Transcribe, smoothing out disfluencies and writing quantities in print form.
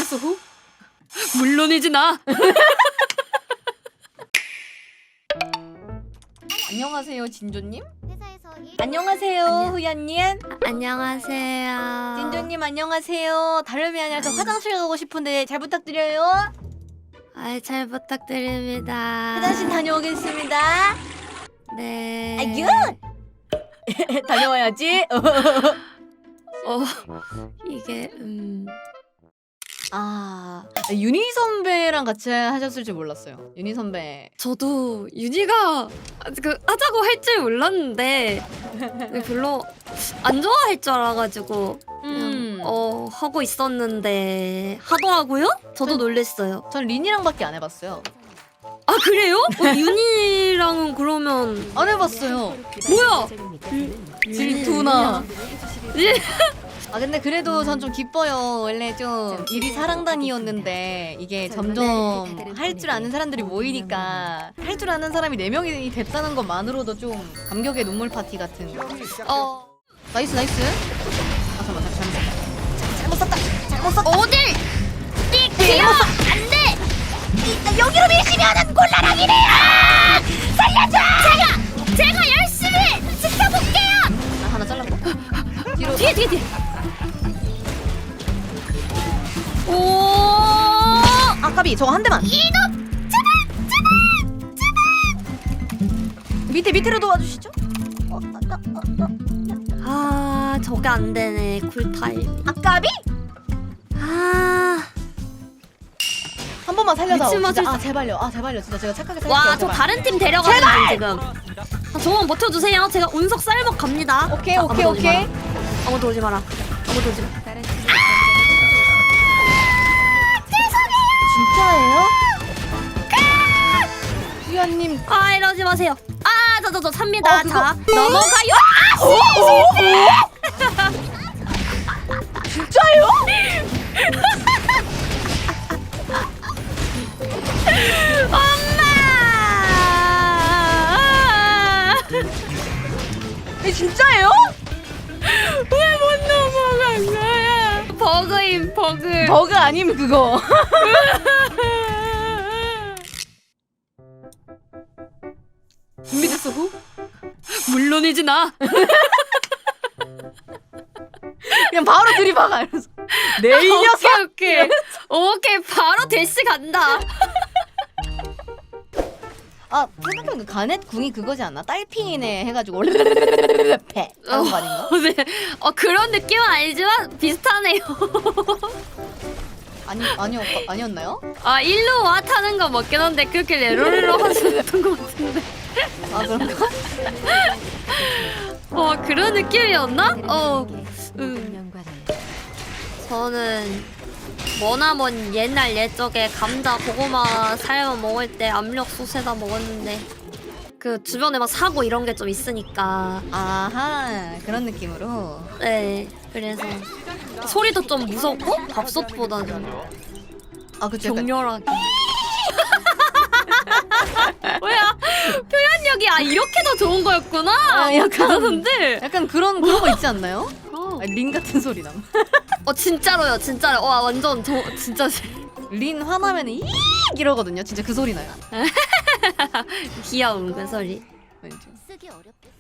준비됐어? 물론이지 나. 안녕하세요 진조님. 회사에서 안녕하세요 후야님. 안녕하세요. 진조님 안녕하세요. 다름이 아니라 저 화장실 가고 싶은데 잘 부탁드려요. 잘 부탁드립니다. 화장실 다녀오겠습니다. 네. 아유. 다녀와야지. 이게 윤희 선배랑 같이 하셨을 줄 몰랐어요. 윤희 선배. 저도 윤희가 하자고 할 줄 몰랐는데 별로 안 좋아할 줄 알아가지고 그냥 하고 있었는데 하더라고요? 저도 놀랬어요. 전 린이랑밖에 안 해봤어요. 아 그래요? 윤희랑은 그러면 안 해봤어요. 뭐야? 질투나. 예. 근데 그래도 전 좀 기뻐요. 원래 좀 일이 사랑단이었는데 이게 점점 할 줄 아는 사람들이 모이니까 할 줄 아는 사람이 4명이 됐다는 것만으로도 좀 감격의 눈물 파티 같은. 나이스 나이스. 잠깐만 잘못 썼다. 잘못 썼다. 어딜? 띡 안돼. 여기로 밀시면은 곤란하기네요. 살려줘. 제가 열심히 지켜볼게요. 나 하나 잘랐고. 뒤로. 뒤에. 오. 까비 저거 한 대만. 이놈 제발. 밑으로 도와주시죠. 저게 안 되네. 쿨타임. 까비? 한 번만 살려줘. 미친 맛을 진짜. 제발요. 제발요. 진짜 제가 착하게 살릴게요. 와, 저 제발. 다른 팀 데려가는 중 지금. 저만 버텨주세요. 제가 운석 쌀먹 갑니다. 오케이. 아무도 오지 마라. 진짜예요? 수연님. 이러지 마세요. 저 삽니다. 그거- 자, 넘어가요. 진짜예요? 엄마! 진짜예요? 왜 못 넘어간 거야? 버그임, 버그. 버그 아님 그거. 준비됐어 후? 물론이지 나. 그냥 바로 들이박아 이러면서. 내 이 녀석. 오케이, 바로 대시 간다. 생각해보니까 가넷 궁이 그거지 않나? 딸핑이네 해가지고 패 하는 거 아닌가? 네. 그런 느낌은 아니지만 비슷하네요. 아니었나요? 일로 와 타는 거 맞긴 한데 그렇게 레로레로 하셨던 것 같은데. 그런가? 그런 느낌이었나? 저는 머나먼 옛날 옛적에 감자 고구마 삶아 먹을 때 압력 솥에다 먹었는데 그 주변에 막 사고 이런 게 좀 있으니까 아하 그런 느낌으로. 네 그래서 소리도 좀 무섭고 밥솥보다는 그쵸. 약간 격렬하게. 뭐야 표현력이 이렇게 더 좋은 거였구나. 약간 그러는데 약간 그런 거 있지 않나요? 린 같은 소리 남. 진짜로요. 와 완전 저 진짜 린 화나면 이 이러거든요. 진짜 그 소리 나요. 귀여운 그 소리. 왠지. 쓰기 어렵겠어.